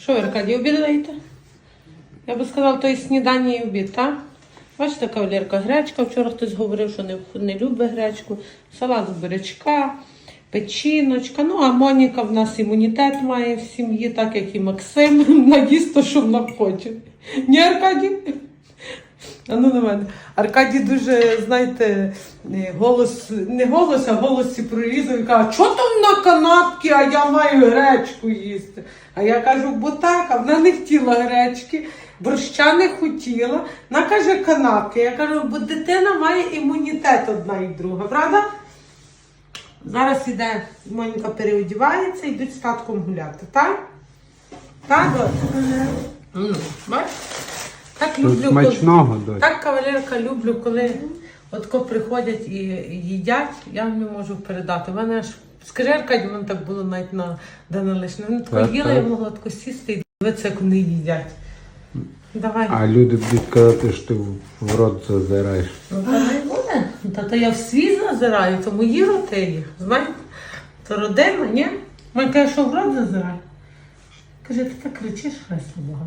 Що ви, Аркадій, обідаєте? Я би сказала, то і снідання, і обід, так? Бачите, кавалерка, гречка. Вчора хтось говорив, що не любить гречку. Салат з бурячка, печіночка. Ну, а Моніка в нас імунітет має в сім'ї, так як і Максим. Наїсть то, що вона хоче. Ні, Аркадій? А ну на мене. Аркадій дуже, знаєте, не голос, а голосі прорізав і каже, що там на канапці, а я маю гречку їсти. А я кажу, бо так, а вона не хотіла гречки, борща не хотіла. Вона каже, канапки. Я кажу, бо дитина має імунітет одна і друга, правда? Зараз іде, Моніка переодівається, йдуть з татком гуляти, так? Так, бачиш? Так люблю, смачного, коли, так, кавалерка, люблю, коли отко приходять і їдять, я вам не можу передати. У мене аж, скажи, Аркадій, в мене так було навіть на день лишнє. Вони тако їли, я могла тако сісти і дивитися, як вони їдять. Давай. А люди будуть казати, що ти в рот зазираєш. Ну, та не буде. Та я в свій зазираю, то мої роти є. Знаєте, то родина, ні? Мені каже, що в рот зазираю. Каже, ти так кричиш, хресло багато.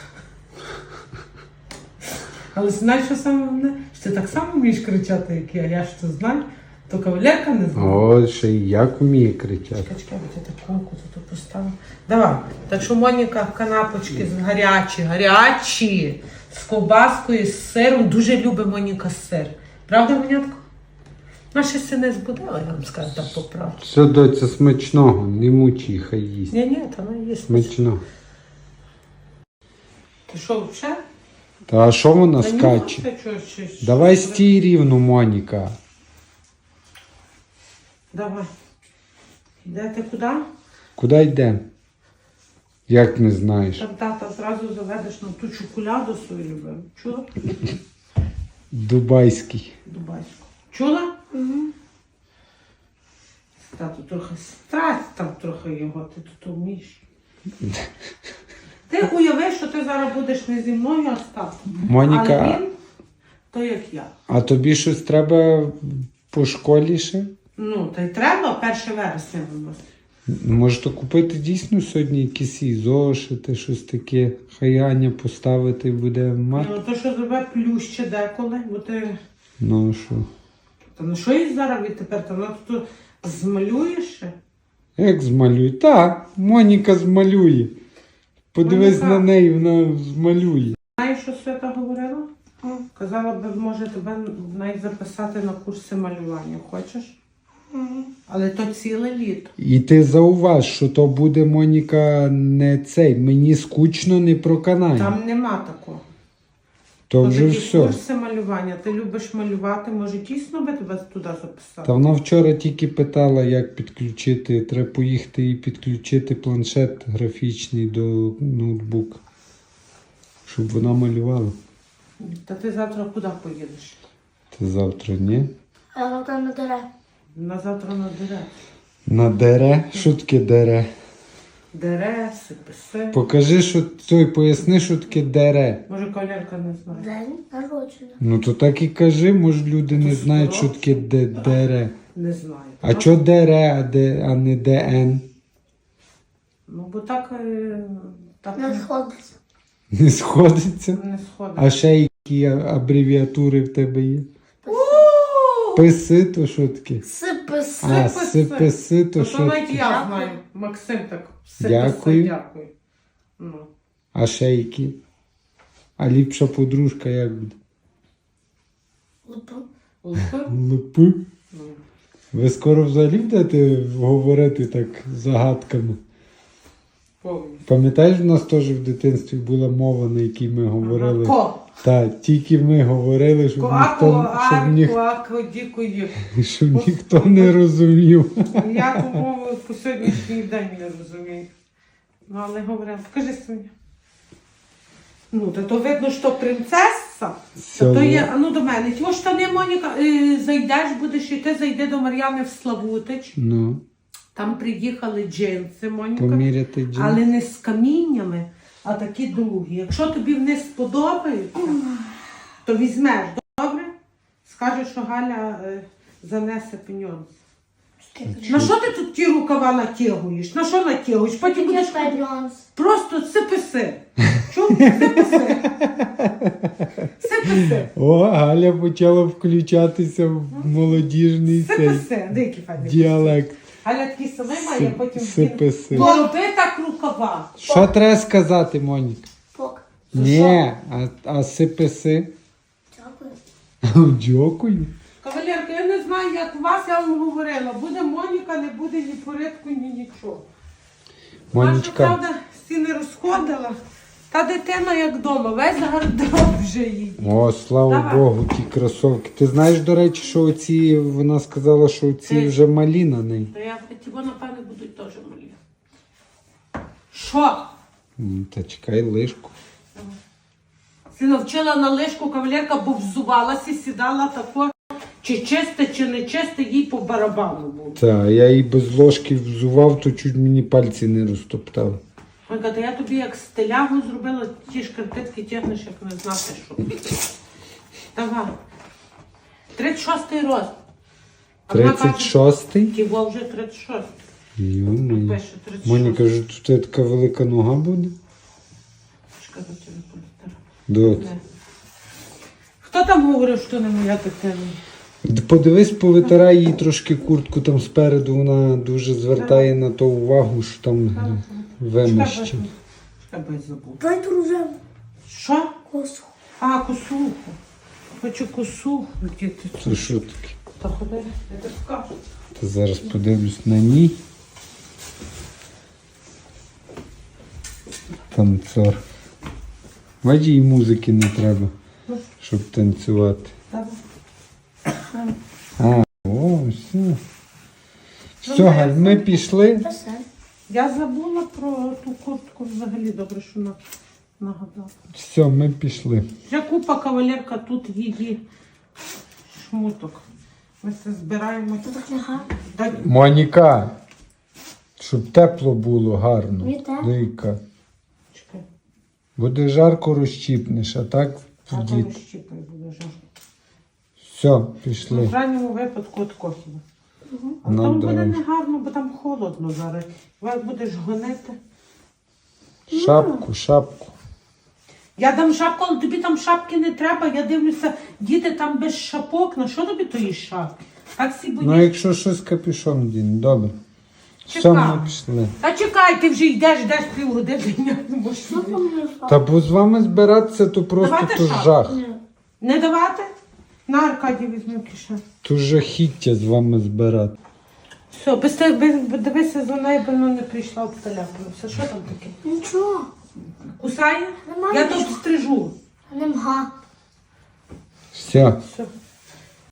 Але знаєш, що саме головне? Що ти так само вмієш кричати, як я ж це знаю, то кавалерка не знає. О, ще й як вміє кричати. Чекай, бо ти таку тут поставив. Давай. Так що Моніка канапочки гарячі, з ковбаскою, з сиром. Дуже любить Моніка сир. Правда, Монятко? Наша ще не збудила, я вам скажу так по правді. Все, доця, смачного, не мучи, хай їсть. Ні, та вона їсть. Смачного. Ти що, вже? Та а що вона скаче? Давай стій рівно, Моніка. Давай. Йдете куди? Куди йдемо? Як не знаєш? Там тата зразу заведеш на ту чоколяду свою любиму. Чула? Дубайський. Дубайську. Чула? Угу. Тату трохи страсть там трохи його, ти тут вмієш. Ти уяви, що ти зараз будеш не зі мною, а з татом. Моніка, але він, то як я. а тобі щось треба по школі ще? Ну, та й треба 1 вересня у нас. Може то купити дійсно сьогодні якісь і зошити, щось таке, хай Аня поставити буде мати? Ну, то що зробе плюще деколи, бо ти... Ну що? Та ну що їй зараз відтепер? Та вона тут змалюєш ще? Як змалює? Так, Моніка змалює. Подивись Моніка. на неї, вона змалює. Знаєш, що Свята говорила? Казала би, може тебе навіть записати на курси малювання. Хочеш? Але то ціле літо. І ти зауваж, що то буде, Моніка, не цей. Мені скучно, не проканає. Там нема такого. То То вже такі все. курси малювання. Ти любиш малювати, може дійсно би тебе туди записати? Та вона вчора тільки питала, як підключити. Треба поїхати і підключити планшет графічний до ноутбука. Щоб вона малювала. Та ти завтра куди поїдеш? Та завтра, ні? А завтра на дере. На завтра на дере. На дере? Що таке дере? Дере, сиписи. Покажи, що той, поясни, що таке дере. Може, колярка не знає. День народження. Ну то так і кажи, може люди не знають, що таке дере. Не знаю. А чо дере, а не ДН? Ну, бо так Не сходиться. Не сходиться? не сходить. А ще які абревіатури в тебе є? Писи, то що таке? Сиписи. А, Сиписи. сиписи, то То що навіть таке? я знаю. Максим так. Дякую. Дякую. Ну. А ще які? А ліпша подружка як буде? Лупу. Лупи? Липи? Ну. Ви скоро взагалі будете говорити так загадками? Повністю. Пам'ятаєш, в нас теж в дитинстві була мова, на якій ми говорили? Ко. Так, тільки ми говорили, щоб щоб ніхто не розумів. Я ту мову по сьогоднішній день не розумію. Ну, але говорила, покажи Соня. Ну, то видно, що принцеса. То є, а ну до мене. Ті штани, Моніка, зайдеш, будеш йти, зайди до Мар'яни в Славутич. Ну, Там приїхали джинси, Моніка. поміряти джин. Але не з каміннями, а такі довгі. Якщо тобі вони сподобаються, то візьмеш, добре? Скажеш, що Галя занесе пеньонс. На що ти тут ті рукава натягуєш? На що натягуєш? Потім будеш нюанс. просто сипи. Чув? Сипи. Сипи. О, Галя почала включатися в молодіжний цей Сипи. Деякі файні. діалект. Галя такий самий має, потім Сипи. Не роби так рукава. Що треба сказати, Монік? Пок. Ні, а сиписи. Дякую. Дякую. Кавалерка, я не знаю, як у вас, я вам говорила. Буде Моніка, не буде ні порядку, ні нічого. Наша, Монічка, правда, всі не розходила. Та дитина як вдома, весь гардероб вже їй. о, слава Давай. Богу, ті кросовки. Ти знаєш, до речі, що оці, вона сказала, що оці вже малі на неї. То я ті, напевно, будуть теж малі. Що? Та чекай лишку. Ти навчила на лишку кавалерка, бо взувалася, сідала тако, чи чисте, чи не чисте, їй по барабану було. Та, я її без ложки взував, то чуть мені пальці не розтоптав. Вона каже, я тобі як стилягу зробила, ті шкарпетки тягнеш, як не знати що. Давай. 36-й рост. А вона каже, 36-й? Тіво вже 36. Йо-моє. Пише 36. Моніка, каже, тут така велика нога буде? Чекай, до тебе політера. Дот. Не. Хто там говорив, що не моя дитина? Подивись, повитирай їй трошки куртку там спереду, вона дуже звертає на то увагу, що там вимощено. Чекай, бо я забув. Дай дружину. Що? Косу. А, косуху. Хочу косуху. Діти. Це що таке? Та ходи, я тобі скажу. Та зараз подивлюсь на ній. Танцор. Бачиш, їй музики не треба, щоб танцювати. Давай. О, все. Все, Галь, ми пішли. Писай. Я забула про ту куртку взагалі, добре, що нагадала. Все, ми пішли. Вже купа кавалерка тут її шмуток. Ми все збираємо. Це так не гарно. Та- Моніка, щоб тепло було гарно. Мені тепло. Дика. Чекай, Буде жарко, розчіпнеш, а так а то вдіт. розщіпай буде жарко. Все, Ну, пішли. в крайньому випадку от кохіва. А На там буде дорогу. не гарно, бо там холодно зараз. Як будеш гонити. Шапку. Я дам шапку, але тобі там шапки не треба. Я дивлюся, діти там без шапок. На що тобі тої шапки? Так всі Ну, боїш. якщо щось капюшон дінь, добре. Все, Чекай. ми пішли. Та чекай, ти вже йдеш півгодини. Я не можу. Що там не впав? Та бо з вами збиратися, то просто Давайте то шапку. жах. Ні. Не давати? На Аркадій візьму кишен. То жахіття з вами збирати. Все, дивися за нею, бо вона не прийшла обсталяпана. Все, що там таке? Нічого. Кусає? Немає Я тут нічого. стрижу. Не мга. Все. Все.